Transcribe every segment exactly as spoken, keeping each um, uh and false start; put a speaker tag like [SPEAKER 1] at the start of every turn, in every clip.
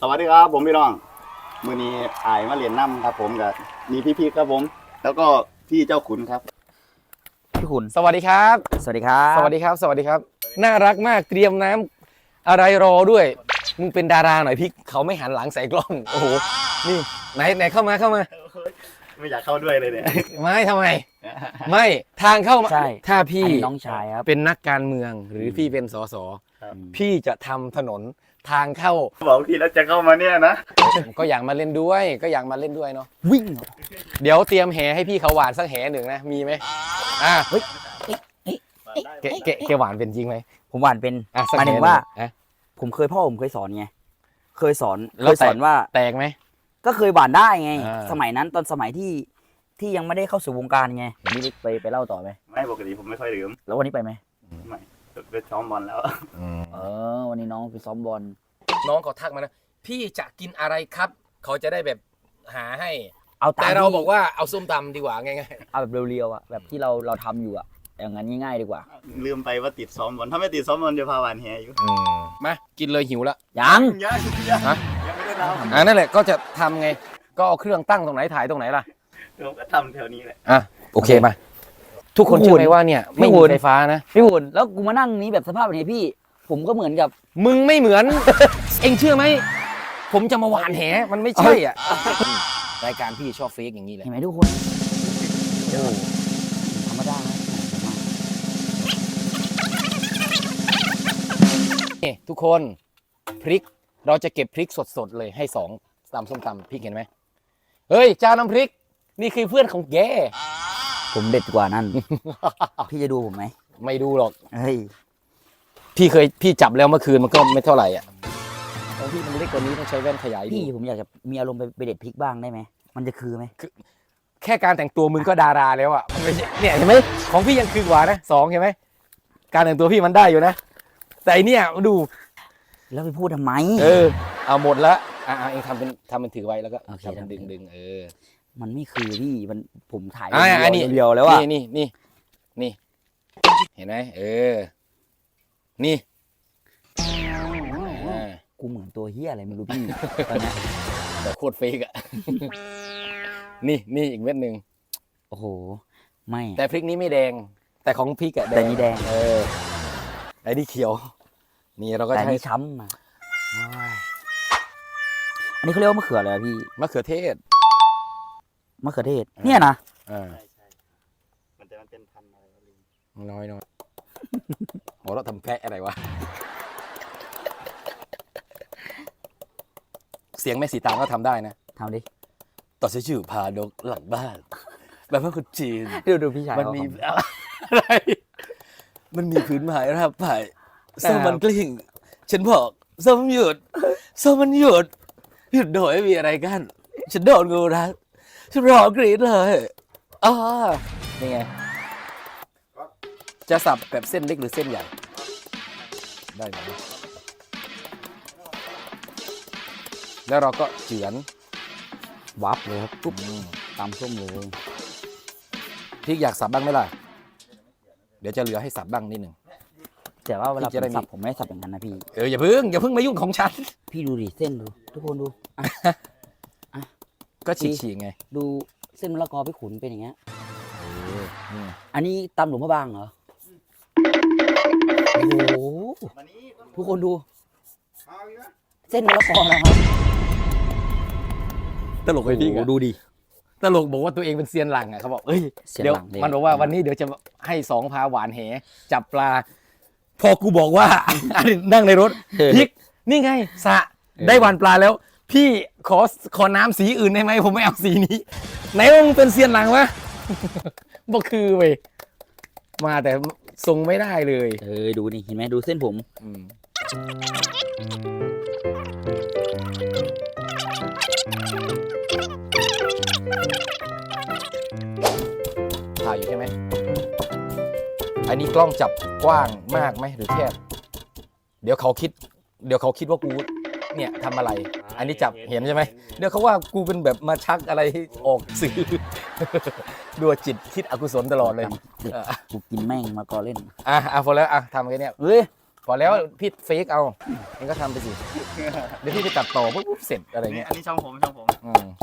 [SPEAKER 1] สวัสดีครับผมพี่น้องมือนี้อายมาเรียนน้ำครับผมกับมีพี่ๆครับผมแล้วก็พี่เจ้าขุนครับ
[SPEAKER 2] พี่ขุน
[SPEAKER 3] สวัสดีครับ
[SPEAKER 2] สวัสดีครับ
[SPEAKER 3] สวัสดีครับ สวัสดีครับ น่ารักมากเตรียมน้ำอะไรรอด้วยมึงเป็นดาราหน่อยพี่เขาไม่หันหลังใส่กล้องโอ้โหนี่ไหนไหนเข้ามาเข้ามา
[SPEAKER 1] ไม่อยากเข้าด้วยเลยเนี่ย
[SPEAKER 3] ไม่ทำไม ไม่ทางเข้ามา
[SPEAKER 2] ใช่
[SPEAKER 3] ถ้าพี่
[SPEAKER 2] อันนี้น้องชายครับ
[SPEAKER 3] เป็นนักการเมืองหรือพี่เป็นสสพี่จะทำถนนทางเข้า
[SPEAKER 1] บอกพี่แล้วจะเข้ามาเนี่ยนะ
[SPEAKER 3] ก็อยากมาเล่นด้วย ก็อยากมาเล่นด้วยเนาะ
[SPEAKER 2] วิ่งเหรอ
[SPEAKER 3] เดี๋ยวเตรียมแหให้พี่เขาหวานสักแหหนึ่งนะมีไหมอ่ะ
[SPEAKER 2] เฮ้ยเอ๊ะเอ๊ะ
[SPEAKER 3] แกแกแกหวานเป็นจริงไหม
[SPEAKER 2] ผมหวานเป็น
[SPEAKER 3] อ่ะสัก
[SPEAKER 2] หมาย
[SPEAKER 3] แห
[SPEAKER 2] ถึ
[SPEAKER 3] นึ่
[SPEAKER 2] งว่า
[SPEAKER 3] อ่ะ
[SPEAKER 2] ผมเคยพ่อผมเคยสอนไงเคยสอน
[SPEAKER 3] แล้
[SPEAKER 2] เคว ยสอน
[SPEAKER 3] แตก
[SPEAKER 2] ว่า
[SPEAKER 3] แตกไหม
[SPEAKER 2] ก็เคยหวานได้ไง
[SPEAKER 3] อ่า
[SPEAKER 2] สมัยนั้นตอนสมัยที่ที่ยังไม่ได้เข้าสู่วงการไงนี่ไปไปเล่าต่อไหม
[SPEAKER 1] ไม่ปกติผมไม่ค่อยดื่ม
[SPEAKER 2] แล้ววันนี้ไปไหม
[SPEAKER 1] ไม่ไปซ้อมบอลแล้ว
[SPEAKER 2] เออวันนี้น้องไปซ้อมบอล
[SPEAKER 3] น้องเขาทักมานะพี่จะกินอะไรครับ เขาจะได้แบบหาให้
[SPEAKER 2] เอาตาม
[SPEAKER 3] แต่เรา
[SPEAKER 2] ที่
[SPEAKER 3] บอกว่าเอาส้มตำดีกว่าง่าย
[SPEAKER 2] เอาแบบเรียวๆอ่ะแบบที่เราเราทำอยู่อ่ะอย่างนั้นง่ายๆดีกว่า
[SPEAKER 1] ลืมไปว่าติดซ้อมบอลถ้าไม่ติดซ้อมบอลจะพาหวานแหอยู่
[SPEAKER 3] ๆมากินเลยหิวแล้ว
[SPEAKER 2] ยัง
[SPEAKER 1] ยังยัง
[SPEAKER 3] ฮะ
[SPEAKER 1] ยังไม่ได้ท
[SPEAKER 3] อ่านั่นแหละก็จะทำไง ก็เอาเครื่องตั้งตรงไหนถ่ายตรงไหนล่ะ
[SPEAKER 1] ำผมก็ทำแถวนี้แหละ
[SPEAKER 3] อ่ะโอเคมาทุกคนเชื่อไหมว่าเนี่ยไม่มีไฟฟ้านะ
[SPEAKER 2] พี่ขุนแล้วกูมานั่งนี้แบบสภาพแบบนี้พี่ ผมก็เหมือนกับ
[SPEAKER 3] มึงไม่เหมือน เอ็งเชื่อไหมผมจะมาหวานแหมันไม่ใช่อ่ะรายการพี่ชอบเฟกอย่างนี้แหละ
[SPEAKER 2] เห็นไหมทุกคนโอ้ธรรมดานะ
[SPEAKER 3] นี่ทุกคนพริกเราจะเก็บพริกสดๆเลยให้สองตำส้มตำพริกเห็นไหมเฮ้ยเจ้าน้ำพริก นี่คือเพื่อนของแก
[SPEAKER 2] ผมเด็ดกว่านั่น พี่จะดูผมไหม
[SPEAKER 3] ไม่ดูหรอก
[SPEAKER 2] เฮ้ย
[SPEAKER 3] พี่เคยพี่จับแล้วเมื่อคืนมันก็ไม่เท่าไหร่อ่ะของพี่มันเล็กกว่านี้ต้องใช้แว่นขยายดู
[SPEAKER 2] พี่ผมอยากจะมีอารมณ์ไปไปเด็ดพริกบ้างได้ไหมมันจะคือไหม
[SPEAKER 3] แค่การแต่งตัวมึงก็ดาราแล้วอ่ะมันไม่ใช่เนี่ยเห็นไหมของพี่ยังคือกว่านะสองเห็นไหมการแต่งตัวพี่มันได้อยู่นะแต่อันเนี่ยดู
[SPEAKER 2] แล้วไปพูดทำไม
[SPEAKER 3] เออเอาหมดละอ่าเองทำเป็นทำเป็นถือไว้แล้วก็
[SPEAKER 2] โอเค
[SPEAKER 3] ทำเป็นดึงดึงเออ
[SPEAKER 2] มันไม่คือพี่มันผมถ่าย
[SPEAKER 3] อ่าอันนี้
[SPEAKER 2] เรียวๆแล้วอะ
[SPEAKER 3] นี่นี่นี่นี่เห็นไหมเออนี่อ่า
[SPEAKER 2] กูเหมือนตัวเฮียอะไรไม่รู้พี่ ตอนเนี้ย
[SPEAKER 3] แต่โคตรเฟกอ่ะ นี่นี่อีกเม็ดหนึ่ง
[SPEAKER 2] โอ้โหไม่
[SPEAKER 3] แต่พริกนี้ไม่แดง แต่ของพริกอะแดง
[SPEAKER 2] แต่นี่แดง
[SPEAKER 3] เออไอ้นี่เขียว นี่เราก็
[SPEAKER 2] แต่
[SPEAKER 3] จะให้
[SPEAKER 2] นี่ช้ำมาโอ้ยอันนี้เขาเรียกว่ามะเขืออะไรอะพี่
[SPEAKER 3] มะเขือเทศ
[SPEAKER 2] มะเขือเทศเนี่ยนะ
[SPEAKER 3] อ่า
[SPEAKER 1] ใช่ใช่มันจะมันเป็นพันธุ์อะไรวะลืม
[SPEAKER 3] น้อยน้อยโหเราทำแพะอะไรวะ เสียงแม่สีตางก็ทำได้นะ
[SPEAKER 2] ทำดิ
[SPEAKER 3] ต่อชื่อชื่อพาดกหลังบ้านแบบว่าคนจีน
[SPEAKER 2] ดูดูพี่ชาย
[SPEAKER 3] มัน
[SPEAKER 2] เขา
[SPEAKER 3] มี
[SPEAKER 2] ทำ
[SPEAKER 3] อะไร มันมีพื้นไม้รับไผ่ส้มมันกลิ้ง ฉันบอกส้มหยุดส้มมันหยุด หยุดโดยไม่มีอะไรกัน ฉันโดนงูรัดฉันร้องกรี๊ดเลยอ๋อนี่ไง จะสับแบบเส้นเล็กหรือเส้นใหญ่ ได้ไหมแล้วเราก็เฉือน
[SPEAKER 2] วับเลยครับปุ๊บ
[SPEAKER 3] อืม
[SPEAKER 2] ตำส้มเลย
[SPEAKER 3] พริกอยากสับบ้างไหมล่ะ เดี๋ยวจะเหลือให้สับบ้างนิดหนึ่ง
[SPEAKER 2] แต่ว่าเวลา
[SPEAKER 3] พี่
[SPEAKER 2] ผ
[SPEAKER 3] จะได้
[SPEAKER 2] ม
[SPEAKER 3] มี
[SPEAKER 2] สับผมไม่ได้สับอย่างนั้นนะพี่
[SPEAKER 3] เอออย่าเพิ่งอย่าเพิ่งมายุ่งของฉัน
[SPEAKER 2] พี่ดูดิเส้นดู ทุกคนดูอ่ะ
[SPEAKER 3] ก็ฉีกๆไง ดู
[SPEAKER 2] เส้นมะละกอพี่ขุนเป็นอย่างเงี้ย
[SPEAKER 3] นี่
[SPEAKER 2] อันนี้ตำหลวงพระบางเหรอโอ้โห
[SPEAKER 1] มานี้ต้น
[SPEAKER 2] ทุกคนดู
[SPEAKER 1] เอาอีกนะ
[SPEAKER 2] เส้นมะละกอนะครับ
[SPEAKER 3] ตลกไปพี่
[SPEAKER 2] โอ้โหดูดิ
[SPEAKER 3] ตลกบอกว่าตัวเองเป็นเซียนหลังอ่ะเขาบอกเอ้ย
[SPEAKER 2] เสียง
[SPEAKER 3] เดี๋ยว
[SPEAKER 2] หลังเลย
[SPEAKER 3] มันบอกว่าวันนี้เดี๋ยวจะให้สองพาหวานแหจับปลา พอกูบอกว่า นั่งในรถพริกนี่ไงสระได้หวานปลาแล้ว พี่ขอขอน้ำสีอื่นได้ไหมผมไม่เอาสีนี้ไหนมึงเป็นเซียนหลังวะ บอกคือเว้ยมาแต่ทรงไม่ได้เลย
[SPEAKER 2] เออดูนี่เห็นไหมดูเส้นผม
[SPEAKER 3] อืมถ่ายอยู่ใช่ไหมอันนี้กล้องจับกว้างมากไหมหรือแคบเดี๋ยวเขาคิด เดี๋ยวเขาคิดว่ากูเนี่ยทำอะไร อันนี้จับเห็นใช่ไหมเดี๋ยวเขาว่ากูเป็นแบบมาชักอะไรออกสื่อ ดูจิตคิดอกุศลตลอดเลย
[SPEAKER 2] เด็กกูกินแม่งมาก่อเล่น
[SPEAKER 3] อ่ะอ่ะพอแล้วอ่ะทำแค่เนี้ย
[SPEAKER 2] เฮ้ย
[SPEAKER 3] พออแล้วพี่เฟกเอาเองก็ทำไปสิเดี๋ยวพี่ไปตัดต่อปุ๊บปุ๊บเสร็จอะไร
[SPEAKER 1] นี่
[SPEAKER 3] เงี้ย
[SPEAKER 1] อันนี้ช่องผมช่องผม
[SPEAKER 3] อืม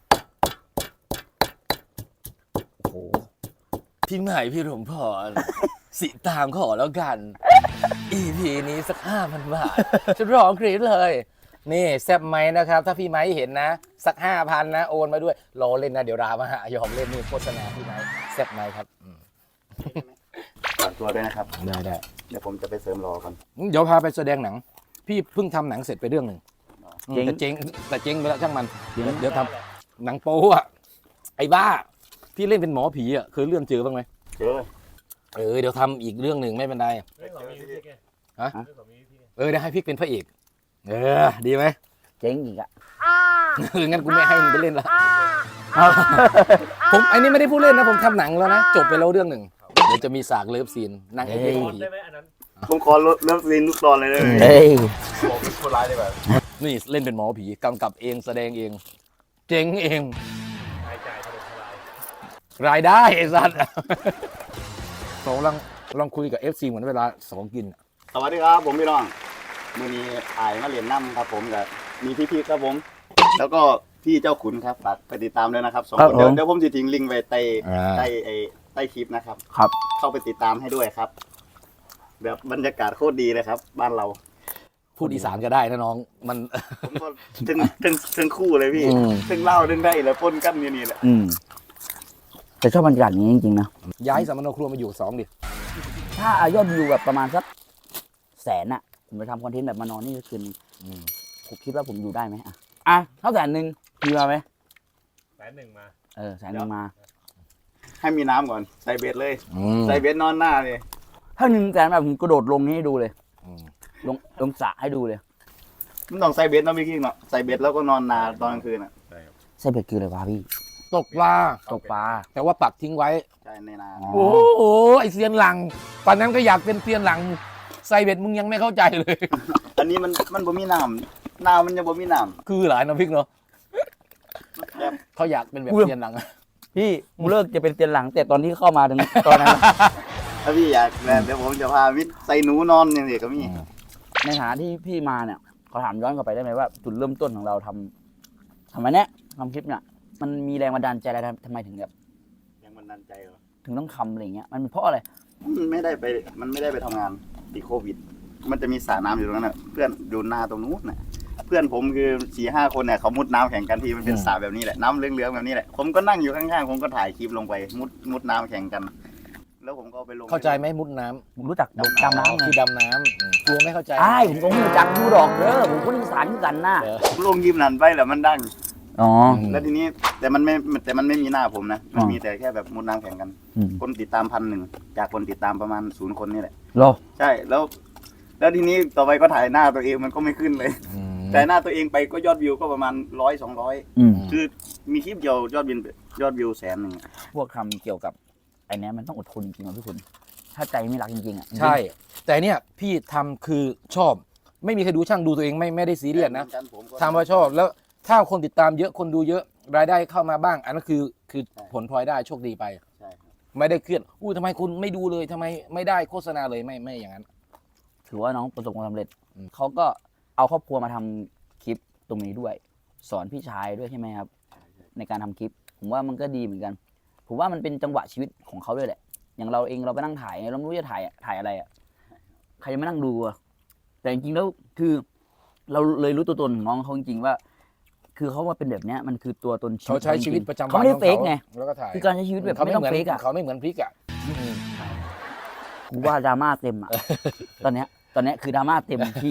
[SPEAKER 3] โอ้โหพี่ใหม่พี่หลวงพ่อสิตามขอแล้วกัน อี พี นี้สักห้าพันบาทฉันร้องกรี๊ดเลย นี่แซบไหมนะครับ ถ้าพี่ไม้เห็นนะ สักห้าพันนะ โอนมาด้วยรอเล่นนะ เดี๋ยวรามาหายอมเล่นนี่โฆษณาพี่ไม้แซบไหมครับอืม
[SPEAKER 1] ฝากตัวด้วยนะครับ
[SPEAKER 3] ได้ได้
[SPEAKER 1] เดี๋ยวผมจะไปเสริมรอก่อน
[SPEAKER 3] เดี๋ยวพาไปแสดงหนัง พี่เพิ่งทำหนังเสร็จไปเรื่องหนึ่งอืม
[SPEAKER 2] เจ๊ง
[SPEAKER 3] แต่เจ๊งแต่เจ๊งไปแล้วช่างมันเดี๋ยวเดี๋ยวทำหนังโป๊อะไอ้บ้า พี่เล่นเป็นหมอผีอะเคยเลื่อนเจอบ้างไหม
[SPEAKER 1] เจอ
[SPEAKER 3] เออเดี๋ยวทำอีกเรื่องหนึ่งไม่เป็นไร
[SPEAKER 4] เรื่องของมีวิธีไง
[SPEAKER 3] ฮะ
[SPEAKER 4] เรื่องของมีวิธีไง
[SPEAKER 3] เออเดี๋ยวให้พี่เป็นพระเอกเออดีไหม
[SPEAKER 2] เจ๊งอีกอ่ะ
[SPEAKER 3] เอองั้นกูไม่ให้มึงไปเล่นละผมอันนี้ไม่ได้พูดเล่นนะผมทำหนังแล้วนะจบไปแล้วเรื่องหนึ่งเดี๋ยวจะมีฉากเลิฟซีนนางเอกเป็น
[SPEAKER 4] ตอน
[SPEAKER 3] ผี
[SPEAKER 4] ได้ไหมอันนั้น
[SPEAKER 1] ผมขอเริ่มซีนทุกตอนเลยได้ไหม
[SPEAKER 2] เฮ้ย
[SPEAKER 1] บอกเป็นคนร้ายได้แบบ
[SPEAKER 3] นี่เล่นเป็นหมอผีกำกับเองแสดงเอง เจ๊งเอง
[SPEAKER 4] รายจ่ายถล่มทลาย
[SPEAKER 3] รายได้ไอ้สัตว์เราลองลองคุยกับ เอฟ ซี เหมือนเวลาสองกิน
[SPEAKER 1] สวัสดีครับผมพี่น้องมือนี้อายมาเรียนน้ำครับผมกับมีพี่ๆครับผม แล้วก็พี่เจ้าขุนครับฝากไปติดตามด้วยนะครับสองคนเดี๋ยวเดี๋ยวผมจะทิ้งลิงก์ไว้ใต้
[SPEAKER 3] อ่า
[SPEAKER 1] ใต้ไอ้ใต้คลิปนะครับ
[SPEAKER 2] ครับ
[SPEAKER 1] เข้าไปติดตามให้ด้วยครับแบบบรรยากาศโคตรดีเลยครับ บ้านเรา
[SPEAKER 3] พูดอีสานก็ได้นะน้องมัน
[SPEAKER 1] ผมก็ถึงถึงถึงคู่เลยพี่
[SPEAKER 3] อืม
[SPEAKER 1] ถึงเล่าถึงได้เลยปนกันอยู่นี่แหละ
[SPEAKER 2] อืมแต่ชอบบรรยากาศอย่างนี้จริงๆนะ
[SPEAKER 3] ย้ายสามโนครัวมาอยู่สองดิ
[SPEAKER 2] ถ้าอายอดวิวแบบประมาณสักแสนอะผมจะทำคอนเทนต์แบบมานอนนี่คืน
[SPEAKER 3] อืม
[SPEAKER 2] ผมคิดว่าผมอยู่ได้ไหมอะอ่ะเท่าแสนหนึ่งมีมาไหม
[SPEAKER 4] แสนหนึ่งมา
[SPEAKER 2] เออแสนหนึ่งมา
[SPEAKER 1] ให้มีน้ำก่อนใส่เบ็ดเลย
[SPEAKER 3] อืม
[SPEAKER 1] ใส่เบ็ดนอนหน้าเลย
[SPEAKER 2] ถ้าหนึ่งแสนแบบผมกระโดดลงนี่ให้ดูเลย
[SPEAKER 3] อืม
[SPEAKER 2] ลงลงสระให้ดูเลย
[SPEAKER 1] มันต้องใส่เบ็ดเนาะพี่กิ้งเนาะใส่เบ็ดแล้วก็นอนนาตอนกลางคืนอ่ะ
[SPEAKER 2] ใช่เบ็ดคืออะไรวะพี่
[SPEAKER 3] ตกปลา
[SPEAKER 2] ตกปลา
[SPEAKER 3] แต่ว่าปักทิ้งไว้
[SPEAKER 1] ใช่ในนา
[SPEAKER 2] อ๋อ
[SPEAKER 3] โอ้โหไอเซียนหลังตอนนั้นก็อยากเป็นเซียนหลังไซเบ็ดมึงยังไม่เข้าใจเลย
[SPEAKER 1] อันนี้มันมันบ่มีน้ำนามันยังบ่มีน้
[SPEAKER 3] คือหลายน้ำพริกเนาะ
[SPEAKER 1] ำแบบ
[SPEAKER 3] เขาอยากเป็นแบบเซียนหลังอะ
[SPEAKER 2] พี่ผมเลิกจะเป็นเตียนหลัง แต่ตอนที่เข้ามาถึงตอนนั้น
[SPEAKER 1] ถ้าพี่อยากแบบเดี๋ยวผมจะพาวิทย์ใส่หนูนอนอย่างเดียวก็มี
[SPEAKER 2] ในฐานะที่พี่มาเนี่ยขอถามย้อนกลับไปได้ไหมว่าจุดเริ่มต้นของเราทำทำไมเนี้ยทำคลิปเนี่ยมันมีแรงบันดาลใจอะไรทำไมถึงแบบ
[SPEAKER 1] ยังมันดันใจเหรอ
[SPEAKER 2] ถึงต้องทำอะไรเงี้ยมันเป็นเพราะอะไร
[SPEAKER 1] มันไม่ได้ไปมันไม่ได้ไปทำงานติดโควิด มันจะมีสระน้ำอยู่ตรงนั้นน่ะเพื่อนอยู่นาตรงนู้นน่ะเพื่อนผมคือสี่ห้าคนเนี่ยเขามุดน้ำแข่งกันที่มันเป็นสระแบบนี้แหละน้ำเหลืองๆแบบนี้แหละผมก็นั่งอยู่ข้างๆผมก็ถ่ายคลิปลงไปมุดมุดน้ำแข่งกัน แล้วผมก็เอาไปลง
[SPEAKER 3] เข้าใจไหมมุดน้
[SPEAKER 2] ผมรู้จักดำ
[SPEAKER 3] ำ
[SPEAKER 2] น้ำไง
[SPEAKER 3] คือดำน้ำอืมกลัวไม่เข้าใจ
[SPEAKER 2] ใช่ผมก็รู้จักดูดอกเด้อผมก็นิสานกันนะ
[SPEAKER 3] เออ
[SPEAKER 1] ผมลงยิมนันไปแล้วมันดัง
[SPEAKER 2] อ๋อ
[SPEAKER 1] แล้วทีนี้แต่มันไม่แต่มันไม่มีหน้าผมนะมัน
[SPEAKER 2] อ๋อ
[SPEAKER 1] มีแต่แค่แบบมุดน้ำแข่งกัน
[SPEAKER 2] อืม
[SPEAKER 1] คนติดตามพันหนึ่งจากคนติดตามประมาณศูนย์คนนี่แหละ
[SPEAKER 2] โล
[SPEAKER 1] ใช่แล้ว แล้วทีนี้ต่อไปก็ถ่ายหน้าตัวเองมันก็ไม่ขึ้นเลย
[SPEAKER 3] อืม
[SPEAKER 1] แต่หน้าตัวเองไปก็ยอดวิวก็ประมาณร้อยสองร้อย
[SPEAKER 2] อืม
[SPEAKER 1] คือมีคลิปเดียวยอดวิวยอดวิวแสนหนึ่ง
[SPEAKER 2] พวกทำเกี่ยวกับไอ้เนี้ยมันต้องอดทนจริงๆนะพี่คุณถ้าใจไม่รักจริงๆอ่ะ
[SPEAKER 3] ใช่ แต่เนี่ยพี่ทำคือชอบ ไม่มีใครดูช่างดูตัวเองไม่ไม่ได้ซีเรียสนะทำว่าชอบแล้วถ้าคนติดตามเยอะคนดูเยอะรายได้เข้ามาบ้าง อันนั้นคือคือผลพลอยได้โชคดีไป
[SPEAKER 1] ใช่ครับ
[SPEAKER 3] ไม่ได้เครียดอู้ทำไมคุณไม่ดูเลยทำไมไม่ได้โฆษณาเลยไม่ไม่อย่างนั้น
[SPEAKER 2] ถือว่าน้องประสบความสำเร็จ
[SPEAKER 3] อืม
[SPEAKER 2] เขาก็เอาครอบครัวมาทำคลิปตรงนี้ด้วย สอนพี่ชายด้วยใช่ไหมครับ ในการทำคลิป ผมว่ามันก็ดีเหมือนกัน ผมว่ามันเป็นจังหวะชีวิตของเขาด้วยแหละ อย่างเราเองเราไปนั่งถ่ายเราไม่รู้จะถ่ายถ่ายอะไรอ่ะใครจะมานั่งดูอะแต่จริงๆแล้วคือ เราเลยรู้ตัวตนของน้องเขาจริงๆว่า คือเขามาเป็นแบบเนี้ยมันคือตัวตน
[SPEAKER 3] เขาใช้ชีวิตประจำวัน
[SPEAKER 2] เขาไม่ได้
[SPEAKER 3] ของ
[SPEAKER 2] เฟกไง
[SPEAKER 3] แล้วก็ถ่าย
[SPEAKER 2] คือการใช้ชีวิตแบบ
[SPEAKER 3] เขา
[SPEAKER 2] ไม่
[SPEAKER 3] ไม่
[SPEAKER 2] ต้อง
[SPEAKER 3] เหมือน
[SPEAKER 2] เฟกอ่ะ
[SPEAKER 3] เขาไม่เหมือนพริกอ่ะอืม
[SPEAKER 2] กูว่าดราม่าเต็มอ่ะ ตอนเนี้ย ตอนเนี้ยคือดราม่าเต็มที่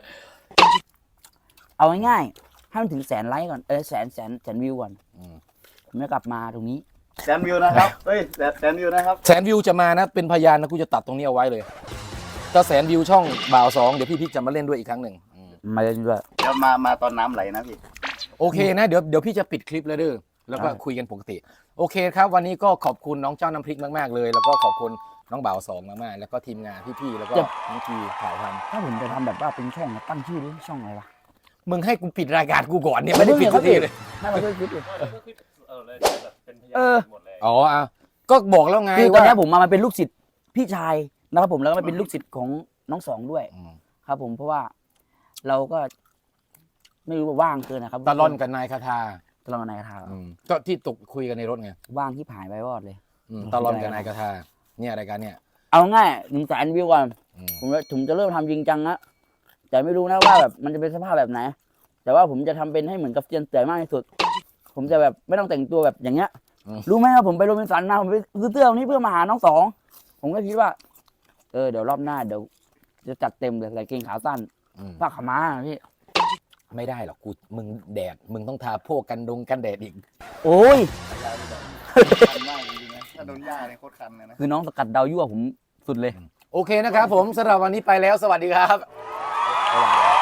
[SPEAKER 2] เอาง่ายๆให้มันถึงแสนไลค์ก่อน เออแสนแสนแสนวิวก่อน
[SPEAKER 3] อืม
[SPEAKER 2] ผมจะกลับมาตรงนี้
[SPEAKER 1] แสนวิวนะครับเฮ้ยแสนแสนวิวนะครับ
[SPEAKER 3] แสนวิวจะมานะเป็นพยานนะกูจะตัดตรงนี้เอาไว้เลยถ้าแสนวิวช่องบ่าวสองเดี๋ยวพี่พิกจะมาเล่นด้วยอีกครั้งหนึ่งอืม
[SPEAKER 2] มาเล่นด้วย
[SPEAKER 1] เดี๋ยวมามาตอนน้ำไหลนะพี่
[SPEAKER 3] โอเคนะเดี๋ยวเดี๋ยวพี่จะปิดคลิปแล้วเด้อแล้วก็
[SPEAKER 2] ได้
[SPEAKER 3] คุยกันปกติ โอเคครับ วันนี้ก็ขอบคุณน้องเจ้าน้ำพริกมากๆเลย แล้วก็ขอบคุณน้องบ่าวสองมากๆแล้วก็ทีมงานพี่ๆแล้วก็น้องทีถ่ายท
[SPEAKER 2] ถ้าผมจะทำแบบว่าเป็นช่องนะตั้งชื่อดิช่องอะไรวะ
[SPEAKER 3] ำมึงให้กูปิดรายการกูก่อนเนี่ยไม่ได้ปิดทุกทีเลย
[SPEAKER 2] น่าจะช่วยคิดดิ
[SPEAKER 4] เออก็คือเออเลยแบบเป็นพยา
[SPEAKER 2] เออ
[SPEAKER 4] นหมดเลย
[SPEAKER 3] อ๋ออ่ะก็บอกแล้วไง
[SPEAKER 2] คือตอน
[SPEAKER 3] ว่า
[SPEAKER 2] นี้ผมมามันเป็นลูกศิษย์พี่ชายนะครับผมแล้วก็มาเป็นลูกศิษย์ของน้องสองด้วย
[SPEAKER 3] อืม
[SPEAKER 2] ครับผมเพราะว่าเราก็ไม่รู้ว่าว่างเกินนะครับ
[SPEAKER 3] ตะล่อนกับนายคาทา
[SPEAKER 2] ตะลอนกับนายคาทา
[SPEAKER 3] อืมก็ที่ตกคุยกันในรถไง
[SPEAKER 2] ว่างที่ผายไปวอดเลย
[SPEAKER 3] อืมตะล่อนกับนายคาทาเนี่ยรายการเนี่ย
[SPEAKER 2] เอาง่ายหนึ่งแสนวิวก่อน
[SPEAKER 3] อืม
[SPEAKER 2] ผมจะผมจะเริ่มทำจริงจังนะแต่ไม่รู้นะว่าแบบมันจะเป็นสภาพแบบไหน แต่ว่าผมจะทำเป็นให้เหมือนกับเจียนเต๋อมากที่สุด ผมจะแบบไม่ต้องแต่งตัวแบบอย่างเงี้ย รู้ไหมครับผมไปโรบินสันมาผมไปซื้อเสื้อวันนี้เพื่อมาหาน้องสองผมก็คิดว่า เออเดี๋ยวรอบหน้าเดี๋ยวจะจัดเต็มเลยใส่เกงขาสั้น
[SPEAKER 3] อืม
[SPEAKER 2] ผ้าขาวม้าพี่
[SPEAKER 3] ไม่ได้หรอกกูมึงแดดมึงต้องทาพวกกันดงกันแดดอีก
[SPEAKER 2] โอ้ย
[SPEAKER 1] คันมากจริงๆนะถ้าโดนหญ้าเนี่ยโคตรคันเลยนะ
[SPEAKER 2] คือน้องสกัดดาวยั่วผมสุดเลย
[SPEAKER 3] โอเคนะครับผมสำหรับวันนี้ไปแล้วสวัสดีครับ
[SPEAKER 2] บ๊ายบาย